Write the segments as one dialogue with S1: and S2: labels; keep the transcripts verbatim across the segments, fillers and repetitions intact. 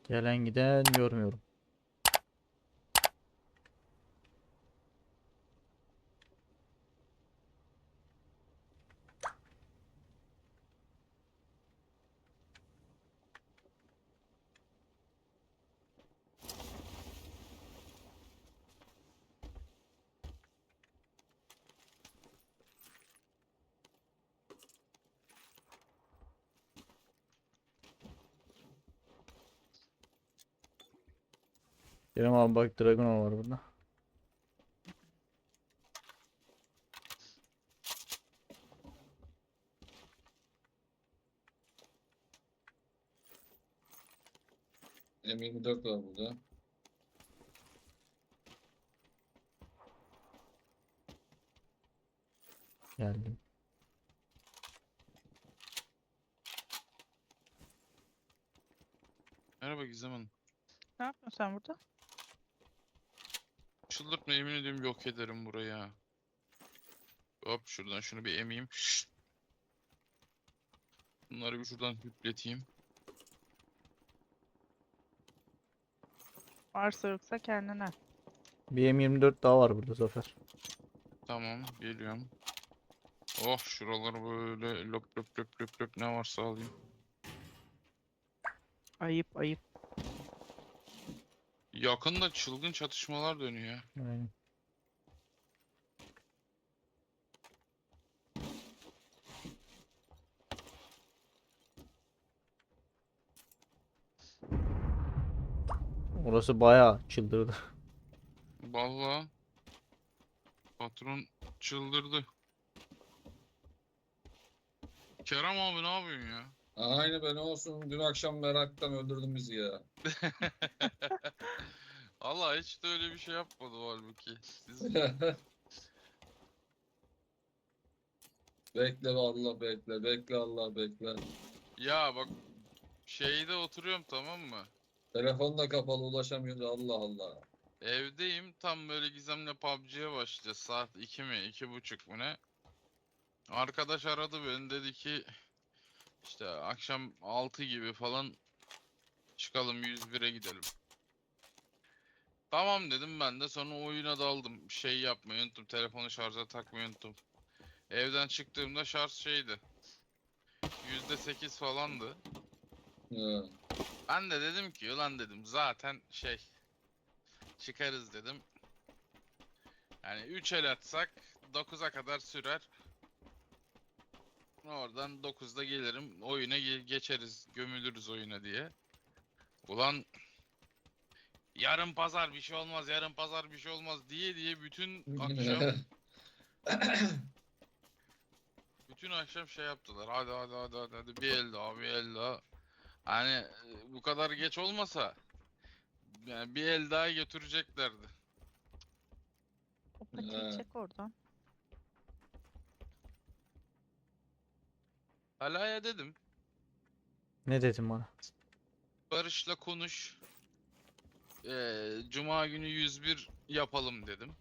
S1: Gelen giden görmüyorum. Kerem abi bak Dragon var burada.
S2: M yirmi dört var burada.
S1: Geldim.
S3: Merhaba Gizem Hanım.
S4: Ne yapıyorsun sen burada?
S3: Çıldırtma, yemin ediyorum yok ederim burayı ha. Hop şuradan şunu bir emeyim. Bunları bir şuradan hüpleteyim.
S4: Varsa yoksa kendine.
S1: Bir M yirmi dört daha var burada Zafer.
S3: Tamam, geliyorum. Oh, şuraları böyle lop lop lop lop lop ne varsa alayım.
S4: Ayıp ayıp.
S3: Yakında çılgın çatışmalar dönüyor.
S1: Aynen. Orası bayağı çıldırdı.
S3: Vallahi patron çıldırdı. Kerem abi ne yapıyorsun ya?
S2: Aynı ben olsun. Dün akşam meraktan öldürdün bizi ya.
S3: Allah hiç de öyle bir şey yapmadı halbuki. Siz
S2: Bekle Allah bekle. Bekle Allah bekle.
S3: ya bak şeyde oturuyorum, tamam mı?
S2: Telefon da kapalı ulaşamıyoruz. Allah Allah.
S3: Evdeyim, tam böyle Gizem'le P U B G'ye başlayacağız. Saat iki mi, iki buçuk mu ne? Arkadaş aradı beni, dedi ki işte akşam altı gibi falan çıkalım, yüz bire gidelim. Tamam dedim, ben de sonra oyuna daldım. Şey yapmayı unuttum, telefonu şarja takmayı unuttum. Evden çıktığımda şarj şeydi, yüzde sekiz falandı.
S2: Ha.
S3: Ben de dedim ki ulan dedim zaten şey çıkarız dedim. Yani üç el atsak dokuza kadar sürer. Oradan dokuzda gelirim, oyuna ge- geçeriz, gömülürüz oyuna diye. Ulan yarın pazar bir şey olmaz, yarın pazar bir şey olmaz diye diye bütün akşam bütün akşam şey yaptılar. Hadi hadi hadi hadi, hadi bir el daha, bir el daha. Hani e, bu kadar geç olmasa yani bir el daha götüreceklerdi.
S4: O patiyi
S2: Ha.
S4: çek oradan.
S3: Halaya dedim,
S1: Ne dedim bana?
S3: Barış'la konuş. Ee, Cuma günü yüz bir yapalım dedim.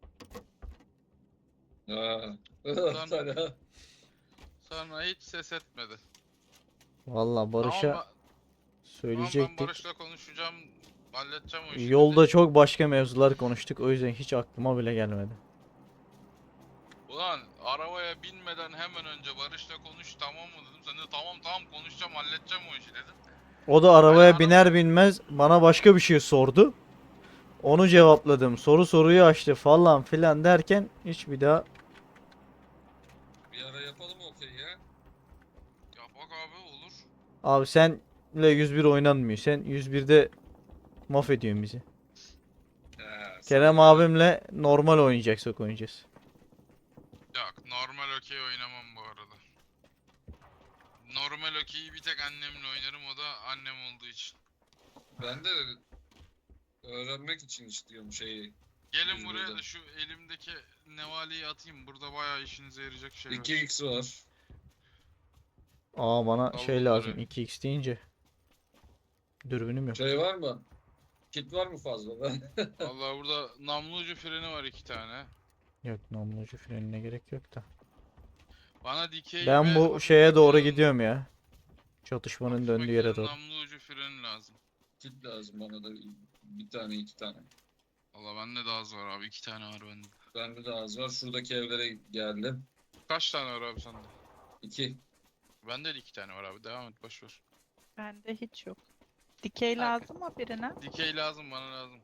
S2: Ha.
S3: Sonra,
S2: Sana.
S3: sonra hiç ses etmedi.
S1: Vallahi
S3: Tamam,
S1: Barış'a
S3: ben, tamam ben
S1: söyleyecektik.
S3: Barış'la konuşacağım, halledeceğim o işi
S1: Yolda
S3: dedi.
S1: çok başka mevzular konuştuk. O yüzden hiç aklıma bile gelmedi.
S3: Ulan arabaya binmeden hemen önce Barış'la konuş, tamam mı dedim. Sen de tamam tamam konuşacağım, halledeceğim o işi dedin.
S1: O da
S3: Hani
S1: arabaya
S3: araba
S1: biner binmez bana başka bir şey sordu. Onu cevapladım. Soru soruyu açtı falan filan derken hiç bir daha
S2: Bir ara yapalım okey ya.
S3: ya bak abi, olur.
S1: abi senle yüz bir oynanmıyor. Sen yüz birde mahvediyorsun bizi.
S2: Ha,
S1: Kerem
S2: sana öyle.
S1: abimle normal oynayacaksak oynayacağız.
S3: Yok, normal okey oynamam bu arada. Normal okeyi bir tek annemle oynarım, o da annem olduğu için.
S2: Ben de öğrenmek için istiyorum şeyi.
S3: Gelin
S2: Yüz
S3: buraya
S2: birden.
S3: da şu elimdeki nevaleyi atayım. Burada bayağı işinize yarayacak şeyler.
S2: iki x var.
S1: Aa bana
S3: Al
S1: şey
S3: bunları.
S1: lazım iki x deyince. Dürbünüm yok.
S2: Şey var mı? Kit var mı fazla?
S3: Vallahi burada namlu ucu freni var iki tane.
S1: Yok namlucu frenine gerek yok da.
S3: Bana dikey
S1: Ben
S3: ve
S1: bu
S3: hafif
S1: şeye doğru
S3: McLaren
S1: gidiyorum ya. Çatışmanın
S3: hafif
S1: döndüğü yere
S3: McLaren
S1: doğru.
S3: namlu ucu freni lazım.
S2: Kit lazım bana da bir tane iki tane.
S3: Valla bende de az var abi. iki tane var bende.
S2: Bende de az var. Şuradaki evlere geldim.
S3: Kaç tane var abi sende?
S2: İki.
S3: Bende de iki tane var abi. Devam et, boş ver.
S4: Bende hiç yok. Dikey
S3: Kanka.
S4: lazım mı birine?
S3: Dikey lazım, bana lazım.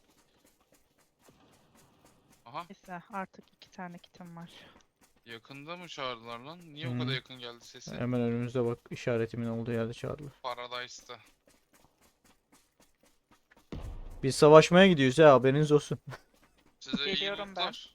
S3: Aha,
S4: Neyse artık iki tane kitim var.
S3: yakında mı çağırdılar lan? Niye
S1: Hı.
S3: o kadar yakın geldi sesi?
S1: Hemen önümüzde bak, işaretimin olduğu yerde çağırdılar.
S3: Paradise'da.
S1: Biz savaşmaya gidiyoruz ya, haberiniz olsun.
S3: Size iyi
S4: Geliyorum ben.
S3: lootlar.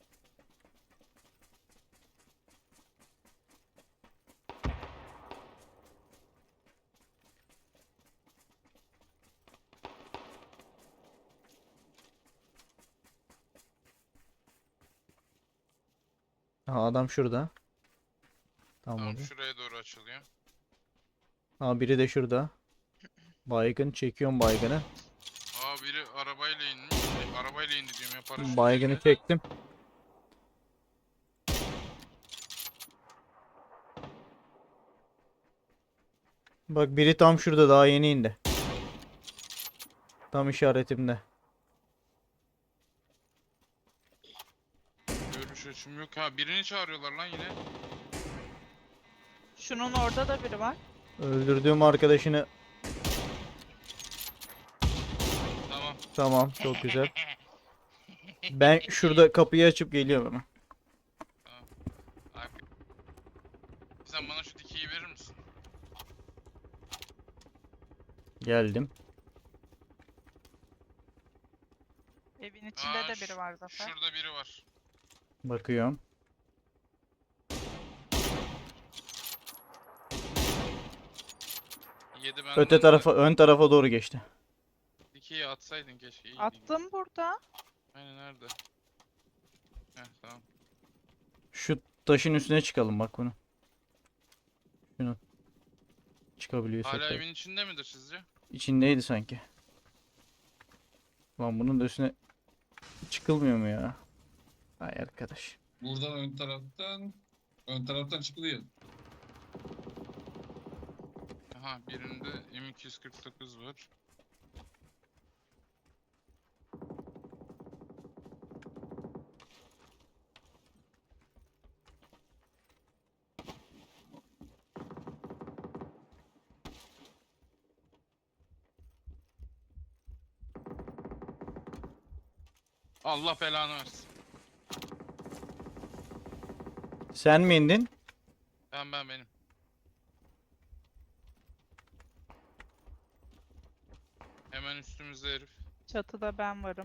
S1: Ha, adam şurada. Tamam
S3: Tamam,
S1: oldu.
S3: şuraya doğru açılıyor.
S1: Ha, biri de şurada. Baygın çekiyorum baygını.
S3: Aa, biri arabayla inmiş. Şey, arabayla indi diyorum ya, paraşütle
S1: Baygını
S3: indi.
S1: çektim. Bak, biri tam şurada, daha yeni indi. Tam işaretimde.
S3: Görüş açım yok. Ha, birini çağırıyorlar lan yine.
S4: Şunun orada da biri var.
S1: Öldürdüğüm arkadaşını.
S3: Tamam.
S1: Tamam, çok güzel. Ben şurada kapıyı açıp geliyorum hemen.
S3: Abi. Sen bana şu dikeyi verir misin?
S1: Geldim.
S4: Evin içinde
S3: Aa,
S4: de
S3: ş-
S4: biri var Zafer.
S3: Şurada biri var.
S1: Bakıyorum.
S3: Yedi benden
S1: Öte
S3: de.
S1: tarafa, ön tarafa doğru geçti.
S3: Dikeyi atsaydın keşke. iyiydi.
S4: Attım burada.
S3: Aynen, nerede? Heh, tamam.
S1: Şu taşın üstüne çıkalım bak bunu. Şunu. Çıkabiliyorsak
S3: Hala
S1: tabii.
S3: evin içinde midir sizce?
S1: İçindeydi sanki. Lan bunun da üstüne çıkılmıyor mu ya? Ay arkadaş.
S2: Buradan ön taraftan ön taraftan çıkılıyor.
S3: Aha, birinde M iki yüz kırk dokuz var. Allah belanı versin.
S1: Sen mi indin?
S3: Ben ben benim. Hemen üstümüzde herif.
S4: Çatıda ben varım.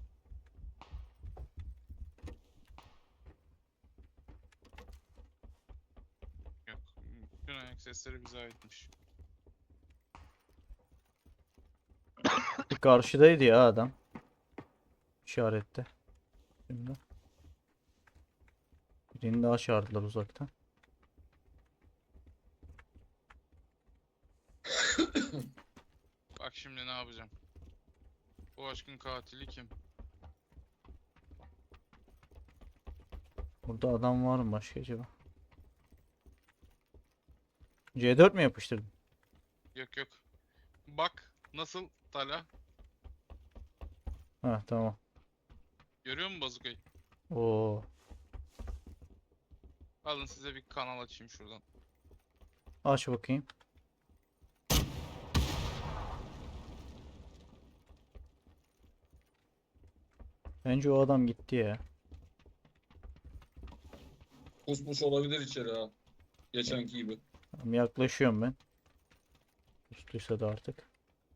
S3: Yok. Bütün ayak sesleri bize aitmiş.
S1: Karşıdaydı ya adam. İşarette. Şimdi. Birini daha çağırdılar uzaktan.
S3: Bak şimdi ne yapacağım. Bu aşkın katili kim?
S1: Burada adam var mı başka acaba? C dört mi yapıştırdın?
S3: Yok yok. Bak nasıl Tala.
S1: Ha, tamam.
S3: Görüyor musun bazukayı?
S1: Oo.
S3: Alın size bir kanal açayım şuradan.
S1: Aç bakayım. Bence o adam gitti ya.
S2: Kusmuş olabilir içeri ha. Geçenki gibi.
S1: Tamam, yaklaşıyorum ben. Üstüyse de artık.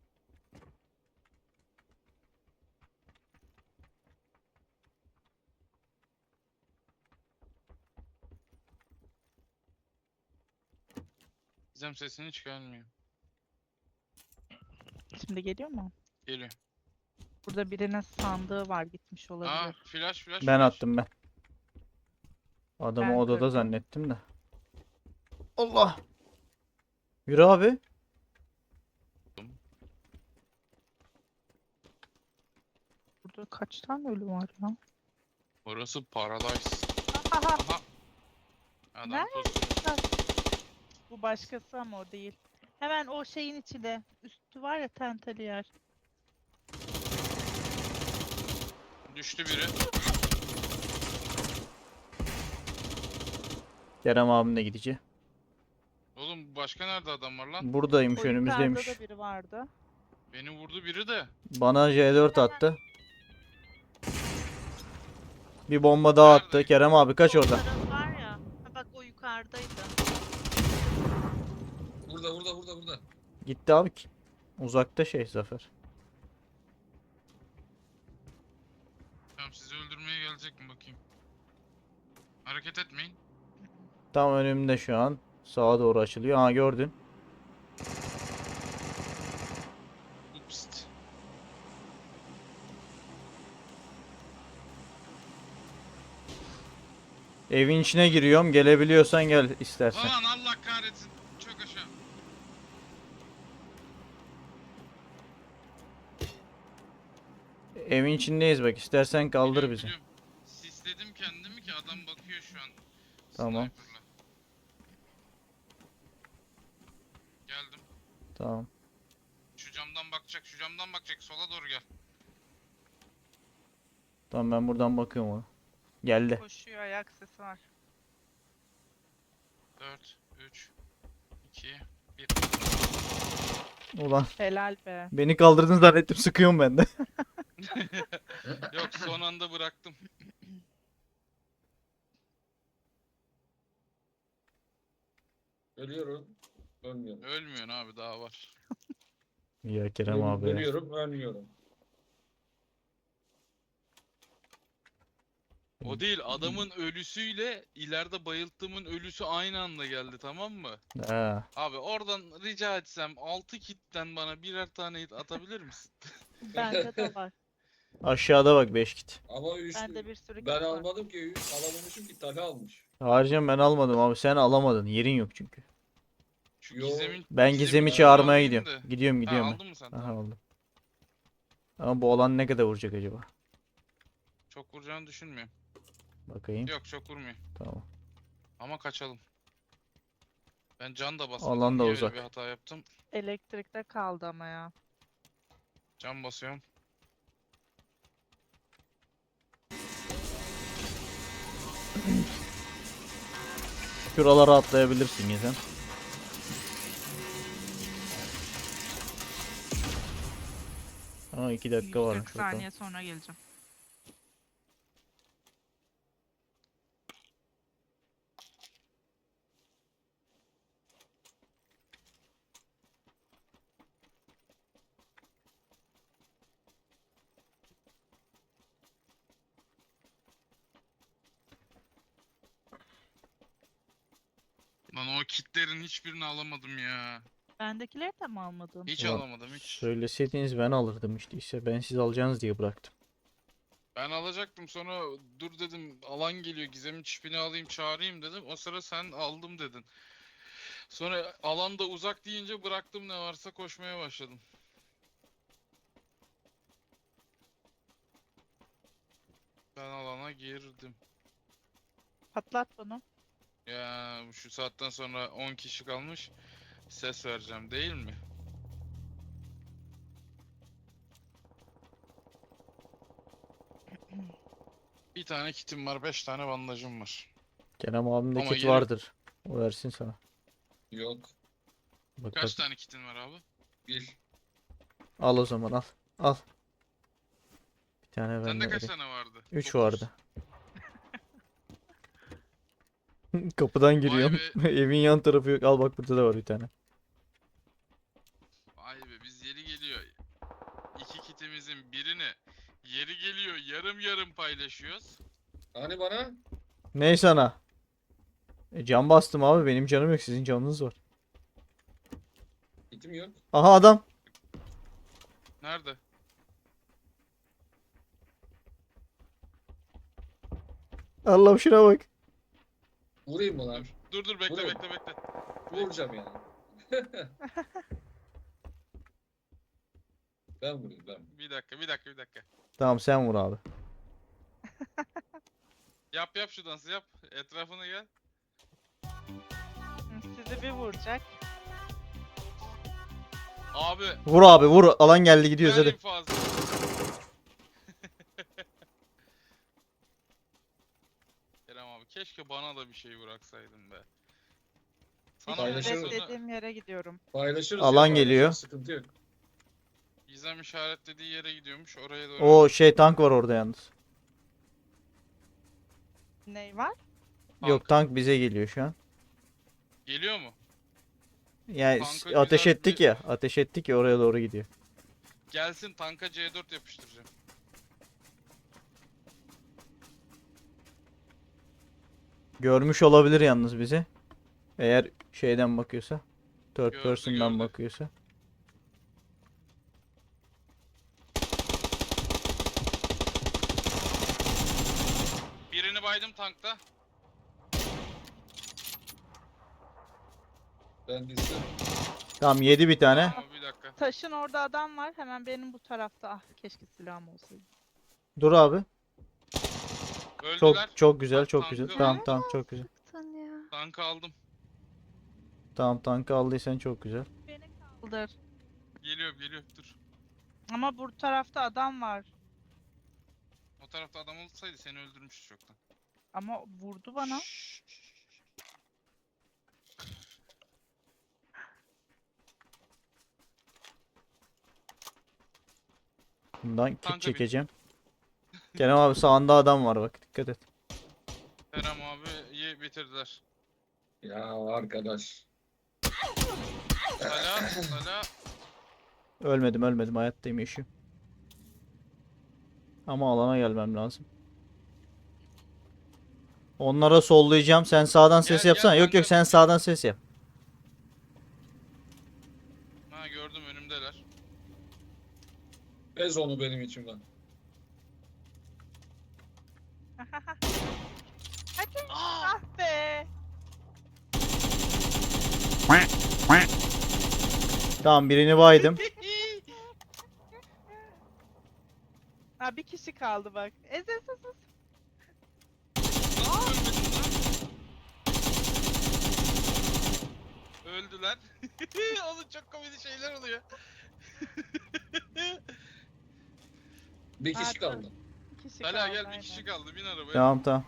S3: Gizem sesini çıkarmıyor.
S4: Şimdi geliyor mu?
S3: Geliyor.
S4: Burada birinin sandığı var gitmiş
S3: Aa,
S4: olabilir.
S3: flash flash
S1: Ben
S3: flash.
S1: attım ben. Adamı
S4: Ben
S1: odada
S4: kırdım.
S1: zannettim de. Allah. Yürü abi.
S4: Burada kaç tane ölü var ya?
S3: Orası Paradise.
S4: Aha,
S3: Aha. Adam
S4: Nerede?
S3: pusu.
S4: bu başkası ama o değil. Hemen o şeyin içinde. Üstü var ya tenteli yer.
S3: Düştü biri.
S1: Kerem abim de gidici.
S3: Oğlum başka nerede adam var lan?
S1: Buradaymış,
S4: O yukarıda
S1: önümüzdeymiş.
S4: da biri vardı.
S3: Beni vurdu biri de.
S1: Bana C dört attı. Bir bomba daha attı.
S3: Nerede?
S1: Kerem abi kaç
S4: O
S1: oradan.
S4: taraf var ya. Ha bak o yukarıdaydı.
S2: Burada burada burada burada.
S1: Gitti abi ki. Uzakta şey Zafer.
S3: Tamam sizi öldürmeye gelecek mi bakayım. Hareket etmeyin.
S1: Tam önümde şu an. Sağa doğru açılıyor. Ha gördün.
S3: Ups.
S1: Evin içine giriyorum. Gelebiliyorsan gel istersen.
S3: Lan Allah kahretsin. Çok aşağı.
S1: Evin içindeyiz bak. İstersen kaldır
S3: Biliyorum,
S1: bizi.
S3: biliyorum. Sisledim kendimi ki adam bakıyor şu an.
S1: Tamam.
S3: Sniper'la. Geldim.
S1: Tamam.
S3: Şu camdan bakacak, şu camdan bakacak. Sola doğru gel.
S1: Tamam ben buradan bakıyorum ona. Geldi.
S4: Koşuyor, ayak sesi var.
S3: dört, üç, iki, bir.
S1: Ulan
S4: Helal be.
S1: beni kaldırdın zannettim. Sıkıyorum ben de.
S3: Yok son anda bıraktım.
S2: Ölüyorum. Ölmüyorum.
S3: Ölmüyorsun abi daha var.
S1: Ya Kerem abi ya.
S2: Ölüyorum ölmüyorum.
S3: O değil adamın ölüsüyle ileride bayılttığımın ölüsü aynı anda geldi tamam mı?
S1: Ha.
S3: Abi oradan rica etsem altı kitten bana birer tane hit atabilir misin?
S4: Bende de var.
S1: Aşağıda bak beş kit.
S2: Ama üç,
S4: Bende bir sürü
S2: ben
S4: kit var.
S2: almadım ki. Alamamışım ki Talha almış.
S1: Haricen ben almadım abi. Sen alamadın. Yerin yok çünkü.
S3: Şu
S2: Yo,
S3: gizemin
S1: Ben
S3: Gizem'i
S1: Gizem'i
S2: ben
S1: çağırmaya
S3: alayım
S1: gidiyorum.
S3: da.
S1: Gidiyorum
S3: Ha,
S1: gidiyorum. ben.
S3: aldın mı sen?
S1: Aha
S3: Tamam.
S1: aldım. Ama bu olan ne kadar vuracak acaba?
S3: Çok vuracağını düşünmüyorum.
S1: Bakayım.
S3: Yok çok vurmuyor.
S1: Tamam.
S3: Ama kaçalım. Ben can da basmadım.
S1: Alan da
S3: Niye
S1: uzak.
S3: öyle bir hata yaptım?
S4: Elektrikte kaldı ama ya.
S3: Can basıyorum.
S1: Şuralara atlayabilirsin Gizem. Aa iki dakika varmış
S4: kırk
S1: bakalım.
S4: saniye sonra geleceğim.
S3: Lan o kitlerin hiçbirini alamadım ya.
S4: Bendekileri de mi almadın?
S3: Hiç
S1: Ulan,
S3: alamadım hiç.
S1: Söyleseydiniz ben alırdım işte. İşte ben siz alacaksınız diye bıraktım.
S3: Ben alacaktım sonra dur dedim alan geliyor Gizem'in çipini alayım çağırayım dedim. O sıra sen aldım dedin. Sonra alan da uzak deyince bıraktım ne varsa koşmaya başladım. Ben alana girdim.
S4: Patlat bunu.
S3: Ya şu saatten sonra on kişi kalmış. Ses vereceğim değil mi? Bir tane kitim var, beş tane bandajım var.
S1: Kerem abimde
S3: Ama
S1: kit
S3: yeri-
S1: vardır. O versin sana.
S2: Yok.
S1: Bak
S3: Kaç
S1: bak.
S3: tane kitin var abi?
S2: Bir.
S1: Al o zaman al. Al. Bir tane ben
S3: Sende
S1: de
S3: kaç
S1: vereyim.
S3: tane vardı?
S1: üç
S3: Dokuz.
S1: vardı. Kapıdan giriyorum.
S3: be.
S1: Evin yan tarafı yok. Al bak burada da var bir tane.
S3: Vay be biz yeri geliyor. İki kitimizin birini yeri geliyor yarım yarım paylaşıyoruz.
S2: Hani bana?
S1: Ney sana? E, can bastım abi. Benim canım yok. Sizin canınız var.
S2: Gitim yok.
S1: Aha adam.
S3: Nerede?
S1: Allah'ım şuna bak.
S2: Vurayım mı lan?
S3: Dur dur dur bekle
S2: Buraya mı?
S3: bekle bekle.
S2: Vuracağım yani. Ben vurayım ben.
S3: Bir dakika bir dakika bir dakika.
S1: Tamam sen vur abi.
S3: Yap yap şu dansı yap. Etrafına gel.
S4: Hı, sizi bir vuracak.
S3: Abi
S1: Vur abi vur. Alan geldi gidiyoruz
S3: ver
S1: hadi.
S3: infazı. Kerem abi keşke bana da bir şey bıraksaydın be. Sana
S2: Paylaşırız.
S3: bundan sonra
S4: Dediğim yere gidiyorum.
S2: Paylaşırız
S1: Alan
S2: ya, paylaşırız,
S1: geliyor.
S2: sıkıntı yok.
S3: Gizem işaretlediği yere gidiyormuş oraya doğru.
S1: O şey tank var orada yalnız.
S4: Ney var?
S1: Yok tank bize geliyor şu an.
S3: Geliyor mu?
S1: Yani
S3: Tanka
S1: ateş
S3: güzel
S1: ettik
S3: bir-
S1: ya. Ateş ettik ya oraya doğru gidiyor.
S3: Gelsin tanka C dört yapıştıracağım.
S1: Görmüş olabilir yalnız bizi. Eğer şeyden bakıyorsa. Third
S3: Gördü,
S1: person'dan
S3: gördü.
S1: bakıyorsa.
S3: Birini baydım tankta.
S2: Ben de isterim.
S1: Tamam yedi bir tane.
S3: Ama bir dakika.
S4: Taşın orada adam var. Hemen benim bu tarafta. Ah keşke silahım olsaydı.
S1: Dur abi. Çok
S3: Öldüler.
S1: çok güzel
S3: Tank-
S1: çok güzel.
S3: tankı-
S1: Tamam tamam çok güzel.
S4: Sıktın ya.
S3: Tankı aldım.
S1: Tamam tankı aldıysan çok güzel.
S4: Beni kaldır.
S3: Geliyor geliyor dur.
S4: Ama bu tarafta adam var.
S3: O tarafta adam olsaydı seni öldürmüştü çoktan.
S4: Ama vurdu bana.
S3: Şşş.
S1: Bundan kit
S3: Tanka bin.
S1: çekeceğim. Kerem abi sağında adam var bak dikkat et.
S3: Kerem abiyi bitirdiler.
S2: Ya arkadaş.
S3: Sala sala.
S1: Ölmedim ölmedim hayattayım yaşıyorum. Ama alana gelmem lazım. Onlara sollayacağım. Sen sağdan ses
S3: Gel,
S1: yapsana.
S3: gel
S1: Yok yok
S3: kanka.
S1: sen sağdan ses yap.
S3: Ha gördüm önümdeler.
S2: Ez onu benim içimden.
S4: Hadi.
S3: Aa!
S4: Ah be.
S1: Tamam birini baydım.
S4: Ha bir kişi kaldı bak. Ez ez ez. ez.
S3: Nasıl ölmedin lan? Öldüler. Oğlum çok komik şeyler oluyor.
S2: Bir kişi
S4: Artık.
S2: kaldı.
S4: Bir kişi
S3: Sala
S4: kaldı.
S3: gel bir
S4: aynen.
S3: kişi kaldı bin arabaya.
S1: Tamam tamam.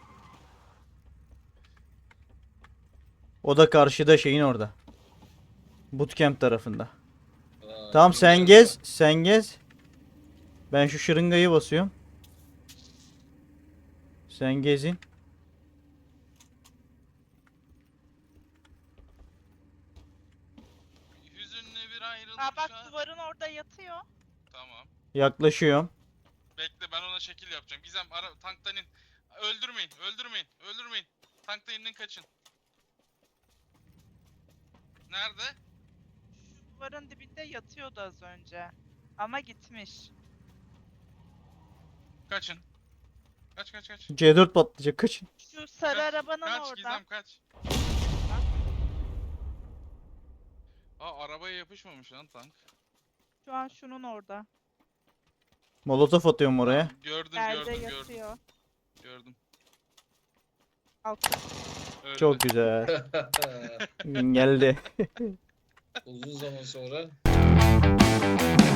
S1: O da karşıda şeyin orada. Bootcamp tarafında.
S2: Aa,
S1: Tamam
S2: iyi
S1: sen
S2: ya.
S1: gez. Sen gez. Ben şu şırıngayı basıyorum. Sen gezin.
S3: Hüzünlü bir ayrılık.
S4: Ha bak
S3: şu an-
S4: duvarın orada yatıyor.
S3: Tamam.
S1: Yaklaşıyorum.
S3: Bekle ben ona şekil yapacağım. Gizem ara tanktan in. Öldürmeyin, öldürmeyin, öldürmeyin. Tanktan inin kaçın. Nerede?
S4: Şu duvarın dibinde yatıyordu az önce. Ama gitmiş.
S3: Kaçın. Kaç kaç kaç.
S1: C dört patlayacak kaçın.
S4: Şu sarı
S3: Kaç,
S4: arabanın
S3: kaç,
S4: orada.
S3: Gizem kaç. Aa arabaya yapışmamış lan tank.
S4: Şu an şunun orada.
S1: Molotof atıyorum oraya.
S3: Gördüm
S4: Yerde
S3: gördüm gördüm.
S4: yatıyor.
S3: Gördüm.
S4: Altta.
S3: Öldü.
S1: Çok güzel. Geldi.
S2: Uzun zaman sonra